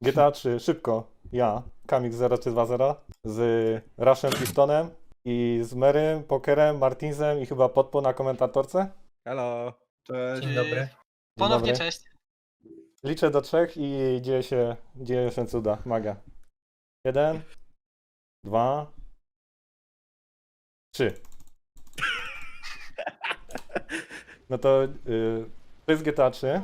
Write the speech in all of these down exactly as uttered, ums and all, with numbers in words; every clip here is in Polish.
G T A trzy, szybko. Ja, Kamik zero trzy dwa zero z Rushem Pistonem i z Merym, Pokerem, Martinsem i chyba Podpo na komentatorce. Hello. Cześć. Dzień dobry. Ponownie dobry. cześć. Liczę do trzech i dzieje się, dzieje się cuda, magia. Jeden, dwa, trzy. No to y, to jest G T A trzy.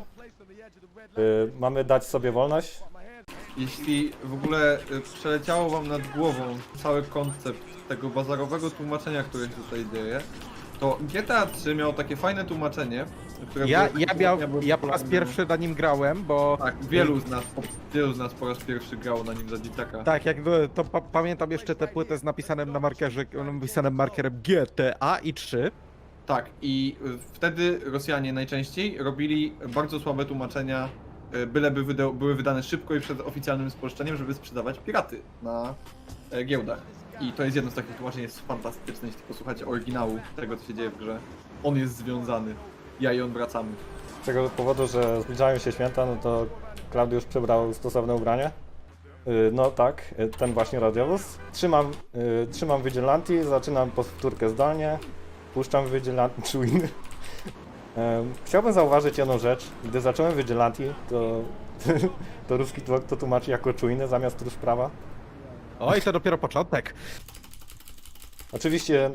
Y, mamy dać sobie wolność. Jeśli w ogóle y, przeleciało wam nad głową cały koncept tego bazarowego tłumaczenia, które się tutaj dzieje, to G T A trzy miało takie fajne tłumaczenie, które Ja, było- ja, miał, było ja po raz popularne. pierwszy na nim grałem, bo Tak, wielu z nas, po, wielu z nas po raz pierwszy grało na nim za dzieciaka. tak, jak były, to pa pamiętam jeszcze tę płytę z napisanym na markerze, napisanym markerem G T A i trzy. Tak, i y, wtedy Rosjanie najczęściej robili bardzo słabe tłumaczenia, y, byleby wyda były wydane szybko i przed oficjalnym spolszczeniem, żeby sprzedawać piraty na e, giełdach. I to jest jedno z takich tłumaczeń, jest fantastyczne, jeśli posłuchacie oryginału tego, co się dzieje w grze. On jest związany. Ja i on wracamy. Z tego powodu, że zbliżają się święta, no to Klaudiusz przybrał stosowne ubranie. Y, No tak, y, ten właśnie radiowóz. Trzymam, y, trzymam Vigilanti, zaczynam powtórkę zdalnie. Puszczam Vigilanti Czujny. Em, Chciałbym zauważyć jedną rzecz. Gdy zacząłem Vigilanti, to, to ruski tłok to tłumaczy jako czujny zamiast stróż prawa. Oj, to dopiero początek. Oczywiście e,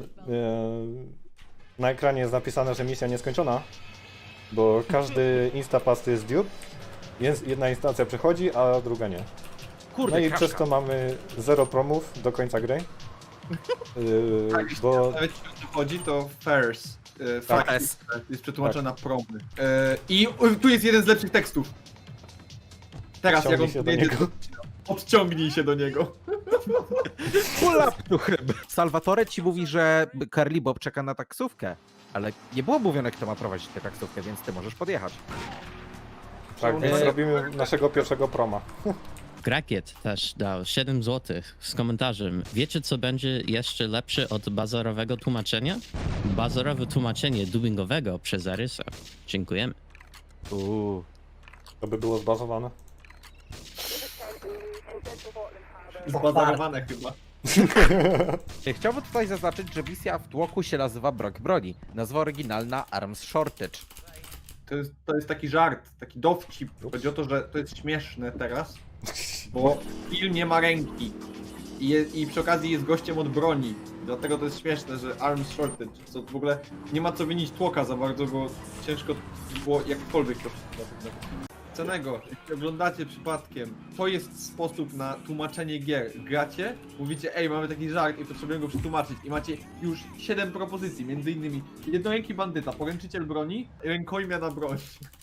na ekranie jest napisane, że misja nieskończona, bo każdy instapass to jest dupe. Jest, jedna instancja przechodzi, a druga nie. Kurde, No i kraszka. przez to mamy zero promów do końca gry. Yy, Tak, jeśli bo nawet jeśli o to chodzi, to Fairs. E, Tak. Fairs jest przetłumaczone na promy. E, I y, tu jest jeden z lepszych tekstów. Teraz jak Ściągnij on się do podjedzie, niego. odciągnij się do niego. Pull up to him. Salvatore ci mówi, że Carly Bob czeka na taksówkę, ale nie było mówione, kto ma prowadzić tę taksówkę, więc ty możesz podjechać. tak, więc E, robimy naszego pierwszego proma. Krakiet też dał siedem złotych z komentarzem. Wiecie, co będzie jeszcze lepsze od bazarowego tłumaczenia? Bazarowe tłumaczenie dubbingowego przez Arysa. Dziękujemy. Uuu. To by było zbazowane. Zbazarowane chyba. Chciałbym tutaj zaznaczyć, że misja w tłoku się nazywa Brak Broni. Nazwa oryginalna Arms Shortage. To jest, to jest taki żart, taki dowcip. Chodzi o to, że to jest śmieszne teraz, bo film nie ma ręki. I, je, I przy okazji jest gościem od broni. Dlatego to jest śmieszne, że arms shortage. Co w ogóle nie ma co winić tłoka za bardzo, bo ciężko było jakkolwiek to Cenego, jeśli oglądacie przypadkiem, to jest sposób na tłumaczenie gier. Gracie, mówicie, ej, mamy taki żart i potrzebujemy go przetłumaczyć. I macie już siedem propozycji, między innymi jednoręki bandyta, poręczyciel broni, rękojmia na broń.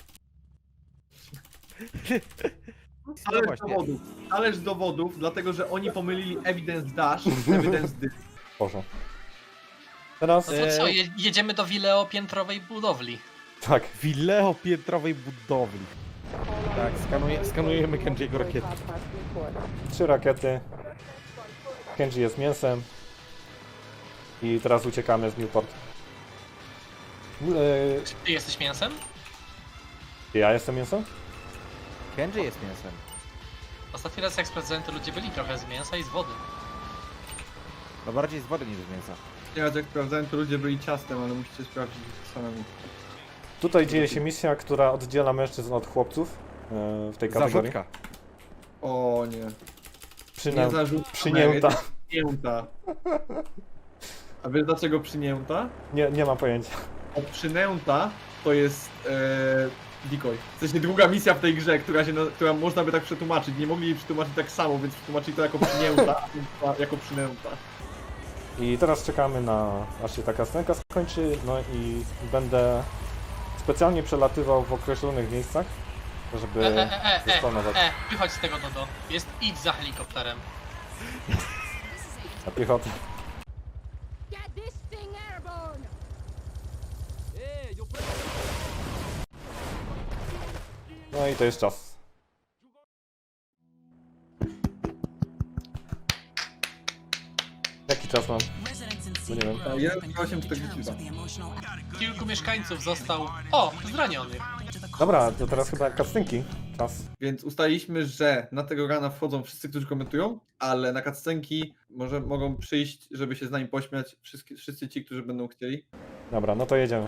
No Talerz właśnie. dowodów. Talerz dowodów, dlatego że oni pomylili evidence dash, evidence dy. Boże. Teraz, No to co, je jedziemy do wileopiętrowej budowli. tak, Wileo piętrowej budowli. Tak, skanuje, skanujemy Kenji'ego rakiety. trzy rakiety. Kenji jest mięsem. I teraz uciekamy z Newport. Yy, Czy ty jesteś mięsem? ja jestem mięsem? Kenji jest mięsem. Ostatni raz jak sprawdzałem, to ludzie byli trochę z mięsa i z wody. No bardziej z wody niż z mięsa. Ja jak sprawdzałem, to ludzie byli ciastem, ale musicie sprawdzić samemu. Tutaj dzieje się misja, która oddziela mężczyzn od chłopców yy, w tej kategorii. Zarzutka. O nie. Przynę... Nie zarzucam, Przynięta. Przynięta. A wiesz dlaczego przynięta? Nie, nie mam pojęcia. Bo przynęta to jest ee, decoy. W sensie druga misja w tej grze, która, się, na- która można by tak przetłumaczyć. Nie mogli jej przetłumaczyć tak samo, więc przetłumaczyli to jako przynięta, a nie jako przynęta. I teraz czekamy na aż się taka scenka skończy, no i będę specjalnie przelatywał w określonych miejscach, żeby E, e, e, e, zastanować e, wychodź z tego Dodo. Jest idź za helikopterem. na piechotę. Get this thing airborne! No i to jest czas. Jaki czas mam? No nie wiem. jeden osiem czterdzieści dwa. Kilku mieszkańców został... O, zranionych. Dobra, to teraz chyba kastynki. czas. Więc ustaliliśmy, że na tego rana wchodzą wszyscy, którzy komentują, ale na cutscenki może mogą przyjść, żeby się z nami pośmiać wszyscy, wszyscy ci, którzy będą chcieli. Dobra, no to jedziemy.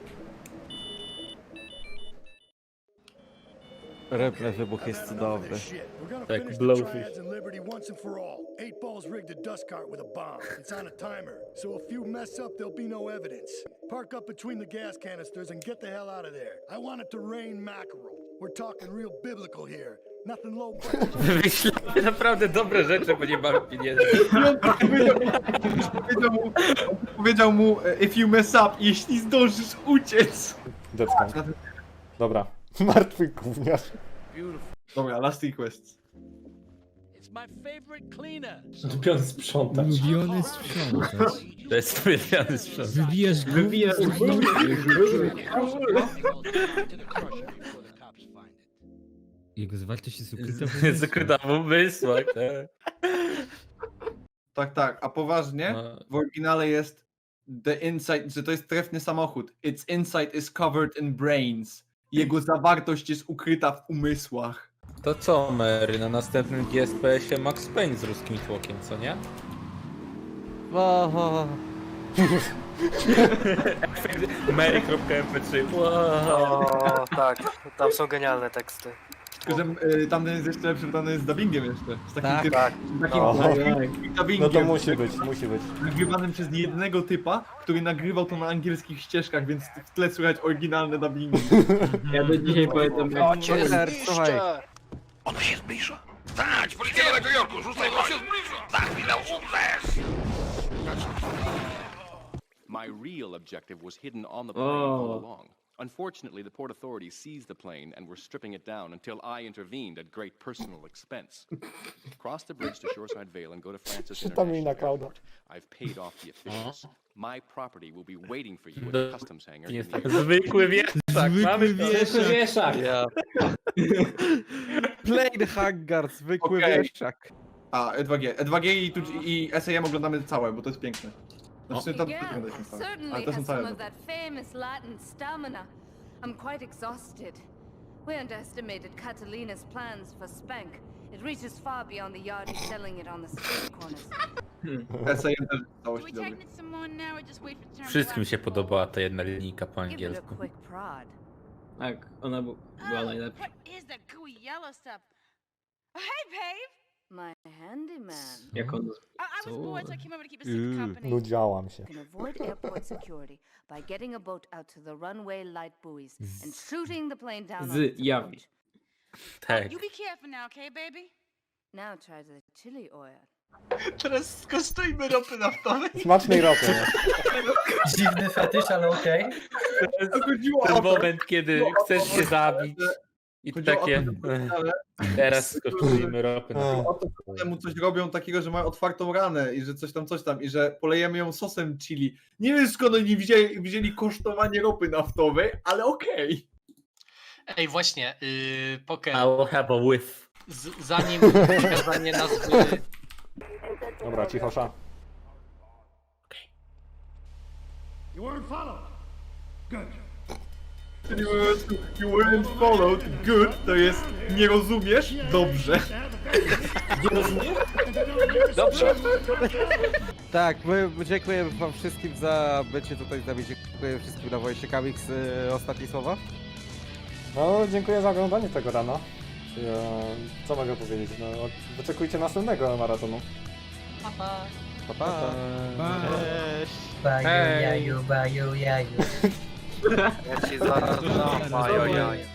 Reple wybuch jest cudowny. Tak, Blowfish. Liberty once and for all. Eight Ball's rigged a dust cart with a bomb. It's on a timer, so if you mess up, there'll be no evidence. Park up between the gas canisters and get the hell out of there. I want it to rain mackerel. We're talking real biblical here. Nothing low budget. Wymyślamy naprawdę dobre rzeczy, bo nie mamy pieniędzy. powiedział, mu, powiedział mu, if you mess up, jeśli zdążysz uciec. Dziecko. Dobra. Martwy gówniarz. Dobra, last request. Lubiony sprzątacz. Ulubiony sprzątacz. To jest powiedziany sprzęt. Wywijasz Wywijasz Jego zawartość jest ukryta w Jest ukryta w umysłach, tak. Tak, tak, a poważnie, No. w oryginale jest the inside, że to jest trefny samochód. Its inside is covered in brains. Jego zawartość jest ukryta w umysłach. To co, Mary, na następnym G S P S-ie Max Payne z ruskim tłokiem, co nie? O, Mary kropka M P trzy. O, tak, tam są genialne teksty. Tylko, że y, tamten jest jeszcze lepszy, bo tamten jest z dubbingiem jeszcze. Z takim, Tak. typ, Tak. z takim, O. takim dubbingiem. No to musi być, musi być. Nagrywanym przez jednego typa, który nagrywał to na angielskich ścieżkach, więc w tle słychać oryginalne dubbingi. Ja do dzisiaj pamiętam, jak... Cześć, słuchaj. My real objective was hidden on the plane all along. Unfortunately, the port authorities seized the plane and were stripping it down until I intervened at great personal expense. Cross the bridge to Shoreside Vale and go to Francis Czytam jej na International kauda. Airport. I've paid off the officials. My property will be waiting for you at No. the customs hangar in Jest the tak zwykły wieszak, mamy to. wieszak. Wieszak. Ja. Plain hangar, zwykły Okej. wieszak. A, E dwa G. E dwa G i, tu, i S A M oglądamy całe, bo to jest piękne. Znaczy, tam Yeah, oglądaliśmy całe. Ale certainly to są has some całe. of that famous Latin stamina. I'm quite exhausted. We underestimated Catalina's plans for Spank. It reaches far beyond the yard he's selling it on the street corners. S A M też w całości dobry. Wszystkim się podobała ta jedna linijka po Give it a angielsku. quick prod. Tak, ona bu- była najlepsza. My handyman. Jak on... Nudziałam się. You can avoid airport security by getting a boat out to the runway light buoys and shooting the plane down on Z its Jawi. approach. Tak. Now try the chili oil. Teraz skosztujmy ropy naftowej. Smacznej ropy. nie? Dziwny fetysz, ale okej. To chodziło Ten o to, moment, kiedy chcesz się zabić i chodziło takie... o to, że ale Teraz skosztujemy ropy na A. o to, że temu coś robią takiego, że mają otwartą ranę i że coś tam, coś tam i że polejemy ją sosem chili. Nie wiem skąd oni wzięli, wzięli kosztowanie ropy naftowej, ale okej. Ej, właśnie, yy, Poker, I will have a whiff. z, zanim przekazanie nazwy... Dobra, cichosza. You weren't followed. Good. Czyli po prostu you weren't followed, good, to jest nie rozumiesz? Dobrze. Dobrze. Tak, my my dziękujemy wam wszystkim za bycie tutaj z nami. Dziękuję wszystkim na Wojsie. Kamix, y, ostatnie słowa? No, dziękuję za oglądanie tego rana. Ja, co mogę powiedzieć? No, wyczekujcie następnego maratonu. Pa, pa. Pa, pa. Baju, jaju, baju, jaju. Ja ci zaraz dam, Baju, jaju.